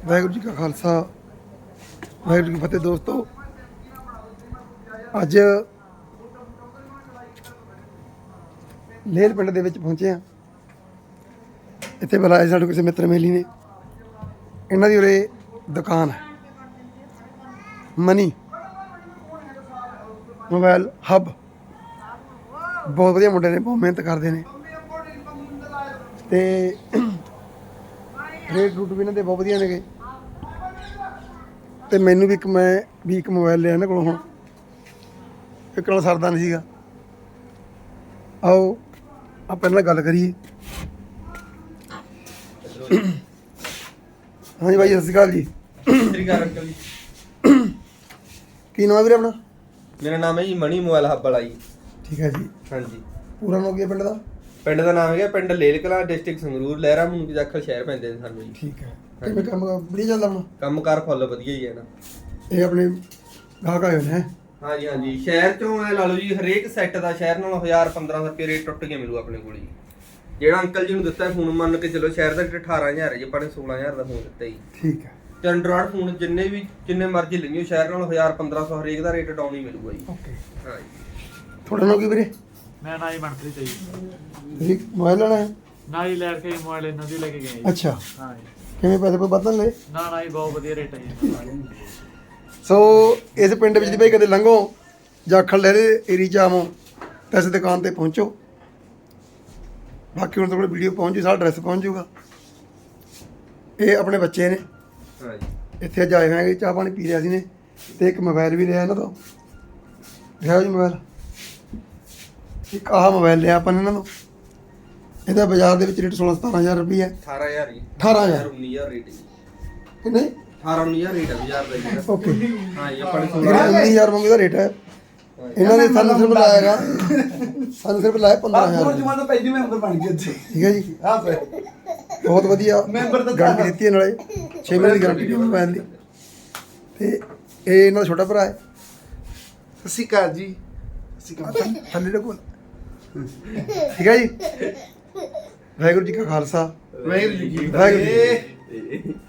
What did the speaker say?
ਵਾਹਿਗੁਰੂ ਜੀ ਕਾ ਖਾਲਸਾ ਵਾਹਿਗੁਰੂ ਜੀ ਕੀ ਫਤਿਹ। ਦੋਸਤੋ ਅੱਜ ਲੇਲ ਪਿੰਡ ਦੇ ਵਿੱਚ ਪਹੁੰਚੇ ਆ। ਇੱਥੇ ਬੁਲਾਏ ਸਾਡੇ ਕਿਸੇ ਮਿੱਤਰ ਮੇਲੀ ਨੇ। ਇਹਨਾਂ ਦੀ ਉਰੇ ਦੁਕਾਨ ਹੈ ਮਨੀ ਮੋਬਾਈਲ ਹੱਬ। ਬਹੁਤ ਵਧੀਆ ਮੁੰਡੇ ਨੇ, ਬਹੁਤ ਮਿਹਨਤ ਕਰਦੇ ਨੇ ਤੇ ਰੇਟ ਰੂਟ ਵੀ ਇਹਨਾਂ ਦੇ ਬਹੁਤ ਵਧੀਆ ਨੇਗੇ। ਤੇ ਮੈਨੂੰ ਵੀ ਇੱਕ ਮੋਬਾਈਲ ਲਿਆ ਇਹਨਾਂ ਕੋਲੋਂ। ਹੁਣ ਇੱਕ ਨਾਲ ਸਰਦਾ ਨਹੀਂ ਸੀਗਾ। ਆਓ ਆਪਾਂ ਇਹਨਾਂ ਨਾਲ ਗੱਲ ਕਰੀਏ। ਹਾਂਜੀ ਭਾਈ, ਸਤਿ ਸ਼੍ਰੀ ਅਕਾਲ ਜੀ। ਸਤਿ ਸ਼੍ਰੀ ਅਕਾਲ ਅੰਕਲ ਜੀ। ਕੀ ਨਾਮ ਵੀਰੇ ਆਪਣਾ? ਮੇਰਾ ਨਾਮ ਹੈ ਜੀ ਮਣੀ ਮੋਬਾਈਲ ਹੱਬ ਵਾਲਾ ਜੀ। ਠੀਕ ਹੈ ਜੀ। ਹਾਂਜੀ। ਪੂਰਾ ਨਾਮ ਕੀ ਹੈ ਪਿੰਡ ਦਾ? ਪਿੰਡ ਦਾ ਨਾਮ ਹੈਗਾ ਪਿੰਡ ਲੇਲ ਕਲਾਂ, ਡਿਸਟ੍ਰਿਕਟ ਸੰਗਰੂਰ, ਲਹਿਰਾ ਮੂਨਕੀ ਦਾਖਲ ਸ਼ਹਿਰ ਪੈਂਦੇ ਨੇ ਸਾਨੂੰ ਜੀ। ਠੀਕ ਹੈ। ਕਿਵੇਂ ਕੰਮ ਵਧੀਆ ਚੱਲਦਾ ਹੁਣ? ਕੰਮਕਾਰ ਫੁੱਲ ਵਧੀਆ ਹੀ ਹੈ ਨਾ। ਇਹ ਆਪਣੇ ਗਾਹਕ ਆਏ ਹੋਏ ਨੇ। ਹਾਂਜੀ ਹਾਂਜੀ, ਸ਼ਹਿਰ ਚੋਂ ਐ ਲਾ ਲਓ ਜੀ, ਹਰੇਕ ਸੈੱਟ ਦਾ ਸ਼ਹਿਰ ਨਾਲੋਂ 1000-1500 ਰੁਪਏ ਰੇਟ ਟੁੱਟ ਕੇ ਮਿਲੂ ਆਪਣੇ ਕੋਲ ਜੀ। ਜਿਹੜਾ ਅੰਕਲ ਜੀ ਨੂੰ ਦਿੱਤਾ ਫੋਨ, ਮੰਨ ਕੇ ਚਲੋ ਸ਼ਹਿਰ ਦਾ 18000 ਹੈ ਜੀ, ਆਪਾਂ ਨੇ 16000 ਦਾ ਫੋਨ ਦਿੱਤਾ ਜੀ। ਠੀਕ ਹੈ। ਤੇ ਐਂਡਰੋਇਡ ਫੋਨ ਜਿੰਨੇ ਮਰਜ਼ੀ ਲਈਓ ਸ਼ਹਿਰ ਨਾਲੋਂ 1000-1500 ਹਰੇਕ ਦਾ ਰੇਟ ਡਾਊਨ ਹੀ ਮਿਲੂਗਾ ਜੀ। ਓਕੇ। ਹਾਂ ਜੀ। ਤੁਹਾਡਾ ਨਾਮ ਕੀ ਵੀਰੇ? ਮੈਂ ਨਾ ਹੀ ਬਣਤਰੀ ਚਾਹੀਦੀ ਤੁਸੀਂ ਮੋਬਾਈਲ ਲੈਣਾ ਹੈ? ਨਾ ਹੀ ਲੈ ਕੇ ਮੋਬਾਈਲ ਇਹਨਾਂ ਦੀ ਲੈ ਕੇ ਗਏ ਜੀ। ਅੱਛਾ। ਹਾਂ ਜੀ। ਕਿਵੇਂ ਪੈਸੇ ਕੋਈ ਬਦਲ ਲਏ? ਨਾ ਹੀ ਬਹੁਤ ਵਧੀਆ ਰੇਟ ਹੈ ਜੀ। ਸੋ ਇਸ ਪਿੰਡ ਵਿੱਚ ਦੀ ਭਾਈ ਕਦੇ ਲੰਘੋ ਜਾਖਲ ਲਹਿਰੇ ਏਰੀ ਚ ਆਵੋ ਤਾਂ ਇਸ ਦੁਕਾਨ ਤੇ ਪਹੁੰਚੋ। ਬਾਕੀ ਹੁਣ ਤੁਹਾਡੇ ਵੀਡੀਓ ਪਹੁੰਚ ਜੂ, ਸਾਰਾ ਐਡਰੈਸ ਪਹੁੰਚ ਜੂਗਾ। ਇਹ ਆਪਣੇ ਬੱਚੇ ਨੇ, ਹਾਂ ਜੀ। ਇੱਥੇ ਅੱਜ ਆਏ ਹੋਏ ਹੈਗੇ, ਚਾਹ ਪਾਣੀ ਪੀ ਰਿਹਾ ਸੀ ਨੇ। ਤੇ ਇੱਕ ਮੋਬਾਈਲ ਵੀ ਲਿਆ ਇਹਨਾਂ ਤੋਂ। ਲਿਆਓ ਜੀ ਮੋਬਾਈਲ। ਇੱਕ ਆਹ ਮੋਬਾਈਲ ਲਿਆ ਆਪਾਂ ਨੇ ਇਹਨਾਂ ਨੂੰ। ਇਹਦਾ ਬਾਜ਼ਾਰ ਦੇ ਵਿੱਚ ਰੇਟ 16-17000 ਰੁਪਏ ਹੈ। 18000 ਜੀ। 18000 19000 ਰੇਟ ਜੀ। ਕਿੰਨੇ? 18-19000 ਰੇਟ ਹੈ ਬਾਜ਼ਾਰ ਦਾ ਜੀ। ਓਕੇ। ਹਾਂ ਜੀ, ਆਪਾਂ ਨੇ 19000 ਮੰਗੇ ਦਾ ਰੇਟ ਹੈ। ਇਹਨਾਂ ਨੇ ਸਾਨੂੰ ਸਿਰਫ ਲਾਇਆਗਾ, ਸਾਨੂੰ ਸਿਰਫ ਲਾਇਆ 15000। ਜਮਾਨਾ ਪਹਿਲੀ ਮੈਂਬਰ ਬਣ ਗਏ ਇੱਥੇ। ਠੀਕ ਹੈ ਜੀ। ਹਾਂ ਭਾਈ, ਬਹੁਤ ਵਧੀਆ ਮੈਂਬਰ ਤਾਂ ਗਾਰੰਟੀ ਦਿੱਤੀ ਹੈ, ਨਾਲੇ 6 ਮਹੀਨੇ ਦੀ ਗਾਰੰਟੀ ਦਿੱਤੀ ਮੋਬਾਈਲ ਦੀ। ਤੇ ਇਹ ਇਹਨਾਂ ਦਾ ਛੋਟਾ ਭਰਾ ਹੈ। ਸਤਿ ਸ਼੍ਰੀ ਅਕਾਲ ਜੀ। ਸਤਿ ਸ਼੍ਰੀ ਅਕਾਲ। ਥੱਲੇ ਦੇ ਕੋਲ। ਠੀਕ ਹੈ ਜੀ। ਵਾਹਿਗੁਰੂ ਜੀ ਕਾ ਖਾਲਸਾ ਵਾਹਿਗੁਰੂ ਜੀ ਕੀ ਵਾਹਿਗੁਰੂ ਜੀ।